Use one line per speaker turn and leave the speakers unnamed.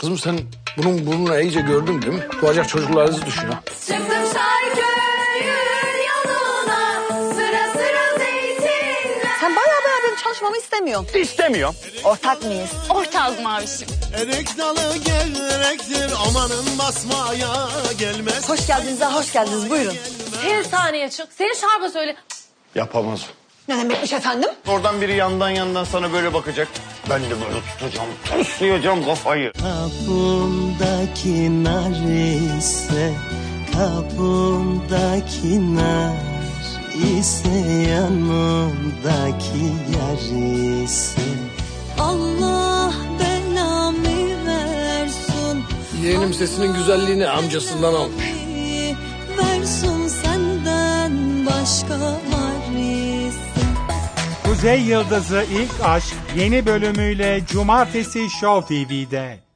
Kızım sen bunun burnunu iyice gördün değil mi? Doğacak çocuklarınızı düşün ha.
Çıktım Şarköy'ün yoluna, sıra sıra zeytinler.
Sen bayağı benim çalışmamı istemiyorsun.
İstemiyorum.
Ortak mıyız?
Ortağız mavişim.
Erik dalı gevrektir, amanın basmaya gelmez.
Hoş geldiniz ha, hoş geldiniz. Buyurun.
Sen sahneye çık. Senin şarkı söyle.
Yapamaz.
Ne demekmiş efendim?
Oradan biri yandan sana böyle bakacak. Ben de böyle tutacağım, toslayacağım kafayı.
Kapımdaki nar ise, kapımdaki nar ise, yanımdaki yar ise. Allah belamı versin.
Yeğenim sesinin güzelliğini amcasından almış.
Versin senden başka var ise.
Kuzey Yıldızı İlk Aşk yeni bölümüyle Cumartesi Show TV'de.